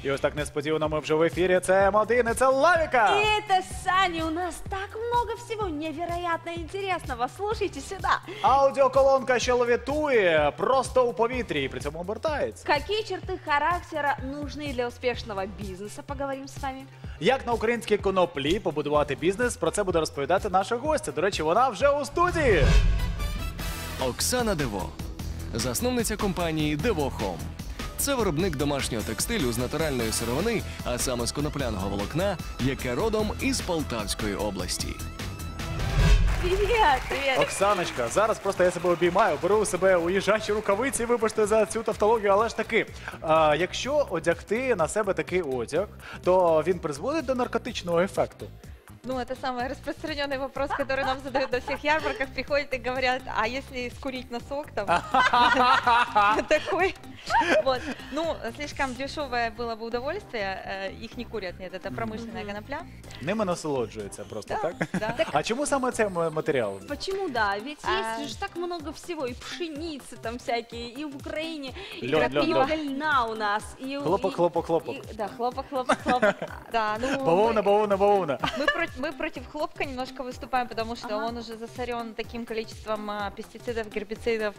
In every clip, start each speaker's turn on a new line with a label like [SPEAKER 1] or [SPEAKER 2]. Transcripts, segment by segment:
[SPEAKER 1] І ось так несподівано ми вже в ефірі. Це М1, і це Лавіка!
[SPEAKER 2] И это Саня, у нас так много всего невероятно интересного. Слушайте сюда.
[SPEAKER 1] Аудіоколонка, що левітує просто у повітрі і при цьому обертається.
[SPEAKER 2] Какие черты характера нужны для успешного бизнеса? Поговорим с вами.
[SPEAKER 1] Як на українській коноплі побудувати бізнес, про це буде розповідати наша гостя. До речі, вона вже у студії.
[SPEAKER 3] Оксана Дево, засновниця компанії Devo Home. Це виробник домашнього текстилю з натуральної сировини, а саме з конопляного волокна, яке родом із Полтавської області.
[SPEAKER 2] Привет, привет.
[SPEAKER 1] Оксаночка, зараз просто я себе обіймаю, беру у себе у їжачі рукавиці, вибачте за цю тавтологію, але ж таки, якщо одягти на себе такий одяг, то він призводить до наркотичного ефекту.
[SPEAKER 4] Ну, это самый распространенный вопрос, который нам задают на всех ярмарках. Приходят и говорят, а если скурить носок там? Такой. Вот. Ну, слишком дешевое было бы удовольствие. Их не курят, нет, это промышленная конопля.
[SPEAKER 1] Ними насолоджується просто, так?
[SPEAKER 4] Да.
[SPEAKER 1] А чому саме цей матеріал?
[SPEAKER 2] Почему да? Ведь есть же так много всего, и пшеницы там всякие, и в Украине, и
[SPEAKER 1] Лёд, лёд,
[SPEAKER 2] крапива
[SPEAKER 1] лёд.
[SPEAKER 2] льна у нас. И,
[SPEAKER 1] Хлопок, хлопок, хлопок.
[SPEAKER 2] Да, хлопок, хлопок, хлопок.
[SPEAKER 4] Да, ну,
[SPEAKER 1] Бавовна, бавовна, бавовна.
[SPEAKER 4] мы против хлопка немножко выступаем, потому что
[SPEAKER 2] Ага.
[SPEAKER 4] он уже засорен таким количеством пестицидов, гербицидов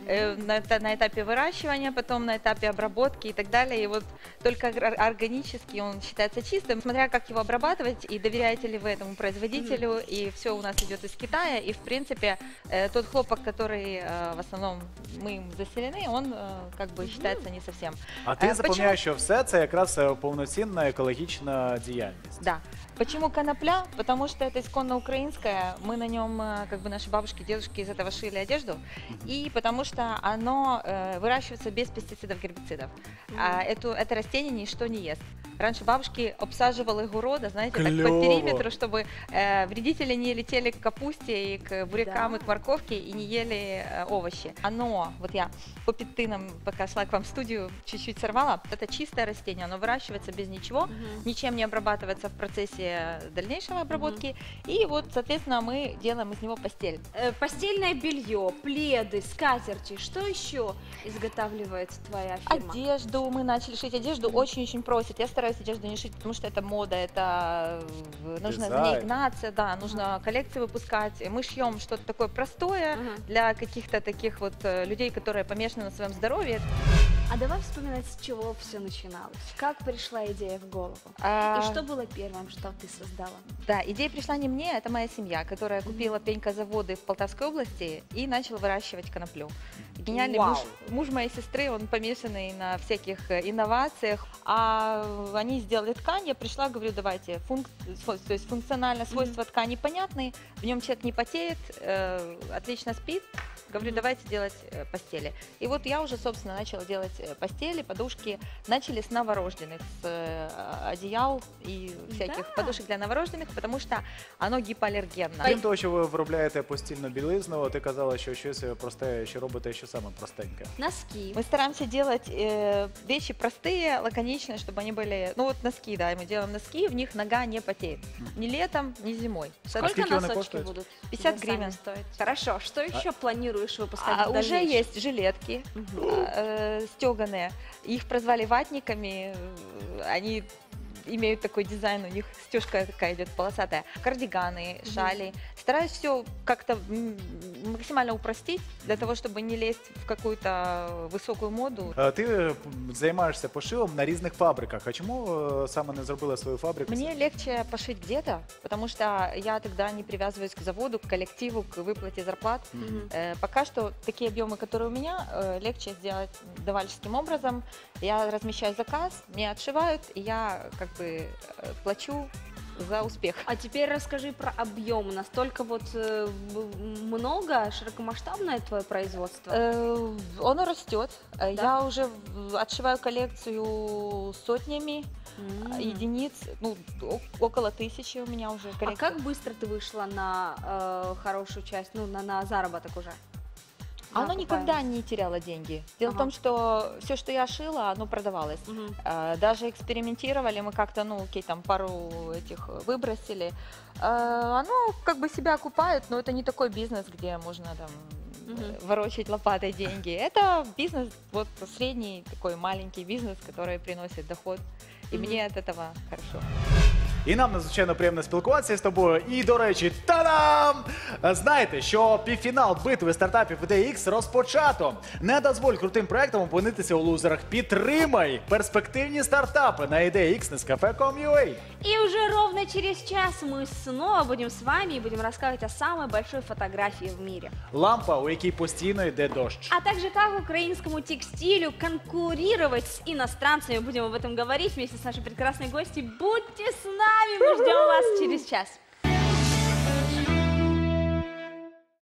[SPEAKER 4] на этапе выращивания, потом на этапе обработки и так далее. И вот только органически он считается чистым. Смотря как его обрабатывать, и доверяете ли вы этому производителю, и все у нас идет из Китая. И в принципе тот хлопок, который в основном мы им заселены, он как бы считается не совсем.
[SPEAKER 1] А ти
[SPEAKER 4] Почему?
[SPEAKER 1] запевняєш, що все це якраз повноцінна екологічна діяльність.
[SPEAKER 4] Да. Почему конопля? Потому что это исконно украинское. Мы на нем, как бы наши бабушки, дедушки из этого шили одежду. И потому что оно выращивается без пестицидов, гербицидов. А это растение ничто не ест. Раньше бабушки обсаживали города, знаете, так
[SPEAKER 1] Клёво.
[SPEAKER 4] по периметру, чтобы вредители не летели к капусте и к бурякам,
[SPEAKER 2] Да.
[SPEAKER 4] и к морковке, и не ели овощи. Оно, вот я по пятынам, пока шла к вам в студию, чуть-чуть сорвала. Это чистое растение, оно выращивается без ничего, ничем не обрабатывается в процессе дальнейшего обработки. И вот, соответственно, мы делаем из него постель.
[SPEAKER 2] Постельное белье, пледы, скатерти. Что еще изготавливает твоя фирма?
[SPEAKER 4] Одежду, мы начали шить одежду, очень-очень просят. Я стараюсь одежду не шить, потому что это мода, это нужно за ней
[SPEAKER 1] Дизайн.
[SPEAKER 4] гнаться, да, нужно коллекции выпускать. Мы шьем что-то такое простое
[SPEAKER 2] Ага.
[SPEAKER 4] для каких-то таких вот людей, которые помешаны на своем здоровье.
[SPEAKER 2] А давай вспоминать, с чего все начиналось. Как пришла идея в голову?
[SPEAKER 4] А,
[SPEAKER 2] И что было первым, что ты создала?
[SPEAKER 4] Да, идея пришла не мне, это моя семья, которая купила пенькозаводы в Полтавской области и начал выращивать коноплю. Гениальный
[SPEAKER 2] Вау.
[SPEAKER 4] муж моей сестры, он помешанный на всяких инновациях, а они сделали ткань, я пришла, говорю, давайте, то есть функционально свойства ткани понятны, в нем человек не потеет, отлично спит, говорю, давайте делать постели. И вот я уже, собственно, начала делать постели, подушки, начали с новорожденных, с одеял и всяких
[SPEAKER 2] Да.
[SPEAKER 4] подушек для новорожденных, потому что оно гипоаллергенно.
[SPEAKER 1] Крім того, що ви виробляєте постільну білизну, ти казала, що щось просте, що робите, що саме простеньке.
[SPEAKER 2] Носки.
[SPEAKER 4] Мы стараемся делать вещи простые, лаконичные, чтобы они были... Ну вот носки, да, мы делаем носки, в них нога не потеет. Ни летом, ни зимой.
[SPEAKER 2] Сколько
[SPEAKER 1] скільки вони
[SPEAKER 2] носочки
[SPEAKER 1] коштують?
[SPEAKER 2] будут?
[SPEAKER 4] 50
[SPEAKER 2] для Сани
[SPEAKER 4] гривен.
[SPEAKER 2] стоить? Хорошо. Что еще планируешь выпускать в
[SPEAKER 4] Уже
[SPEAKER 2] дальнейшем?
[SPEAKER 4] есть жилетки
[SPEAKER 2] Мгм.
[SPEAKER 4] стеганые. Их прозвали ватниками. Они имеют такой дизайн, у них стежка такая идет полосатая. Кардиганы, шали. Стараюсь все как-то максимально упростить, для того, чтобы не лезть в какую-то высокую моду.
[SPEAKER 1] Ти займаєшся пошивом на різних фабриках. А чому саме не зробила свою фабрику?
[SPEAKER 4] Мне легче пошить где-то, потому что я тогда не привязываюсь к заводу, к коллективу, к выплате зарплат.
[SPEAKER 2] Мгм.
[SPEAKER 4] Пока что такие объемы, которые у меня, легче сделать давальческим образом. Я размещаю заказ, мне отшивают, и я как бы плачу за успех.
[SPEAKER 2] А теперь расскажи про объем. Настолько вот много, широкомасштабное твое производство?
[SPEAKER 4] Оно растет. Я уже отшиваю коллекцию сотнями единиц, ну, около 1000 у меня уже
[SPEAKER 2] А
[SPEAKER 4] коллекция.
[SPEAKER 2] как быстро ты вышла на хорошую часть, ну, на заработок уже?
[SPEAKER 4] Оно никогда не теряло деньги. Дело в том, что все, что я шила, оно продавалось. Даже экспериментировали, мы как-то, ну, окей, там пару этих выбросили. Оно как бы себя окупает, но это не такой бизнес, где можно там ворочать лопатой деньги. Это бизнес, вот средний такой маленький бизнес, который приносит доход. И мне от этого хорошо.
[SPEAKER 1] І нам надзвичайно приємно спілкуватися з тобою. І, до речі, та-дам! Знаєте, що півфінал битви стартапів IDX розпочато. Не дозволь крутим проектам опинитися у лузерах. Підтримай перспективні стартапи на IDX Nescafe.com.ua.
[SPEAKER 2] И уже ровно через час мы снова будем с вами и будем рассказывать о самой большой фотографии в мире.
[SPEAKER 1] Лампа, у якій постійно йде дощ.
[SPEAKER 2] А также как украинскому текстилю конкурировать с иностранцами. Будем об этом говорить вместе с нашей прекрасной гостьей. Будьте с нами, мы ждем вас через час.